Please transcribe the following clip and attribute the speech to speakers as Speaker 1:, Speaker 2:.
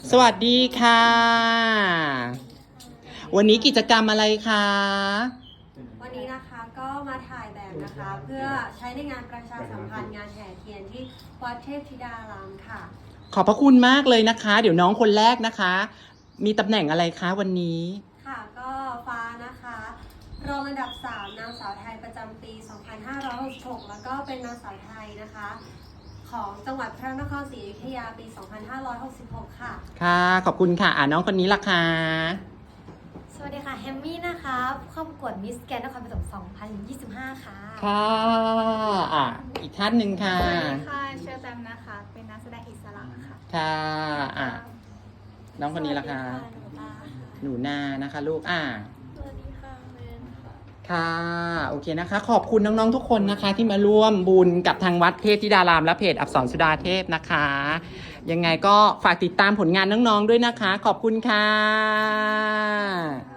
Speaker 1: สวัสดีค่ะ วันนี้กิจกรรมอะไรคะ
Speaker 2: วันนี้นะคะก็มาถ่ายแบบนะคะเพื่อใช้ในงานประชาสัมพันธ์งานแห่เทียนที่วัดเทพธิดารามค่ะ
Speaker 1: ขอบพระคุณมากเลยนะคะ เดี๋ยวน้องคนแรกนะคะ มีตำแหน่งอะไรคะวันนี้
Speaker 2: ค่ะก็ฟ้านะคะรองอันดับ 3นางสาวไทยประจำปี 2566 แล้วก็เป็นนางสาวไทยนะคะของจังหวัดพระนครศรีอยุธยาปี 2566 ค่ะ
Speaker 1: ค่ะ ขอบคุณค่ะน้องคนนี้ล่ะคะ
Speaker 3: สวัสดีค่ะแฮมมี่นะคะเข้าประกวดมิสแกรนด์นครปฐม2025 ค่ะ
Speaker 1: ค่ะอีกท่านหนึ่งค่ะ
Speaker 4: สวัสดีค่ะเชอร์แตมนะคะ เป็นนักแสดงอิสระค่ะ
Speaker 1: ค่ะน้องคนนี้ล่ะคะ
Speaker 3: สวัสดีค่ะ
Speaker 1: หนูนานะคะลูก
Speaker 3: สวัสดีค่ะเมนค่ะ
Speaker 1: ค่ะโอเคนะคะ ขอบคุณน้องๆทุกคนนะคะ ที่มาร่วมบุญกับทางวัดเทพธิดารามและเพจอักษรสุดาเทพนะคะ ยังไงก็ฝากติดตามผลงานน้องๆด้วยนะคะ ขอบคุณค่ะ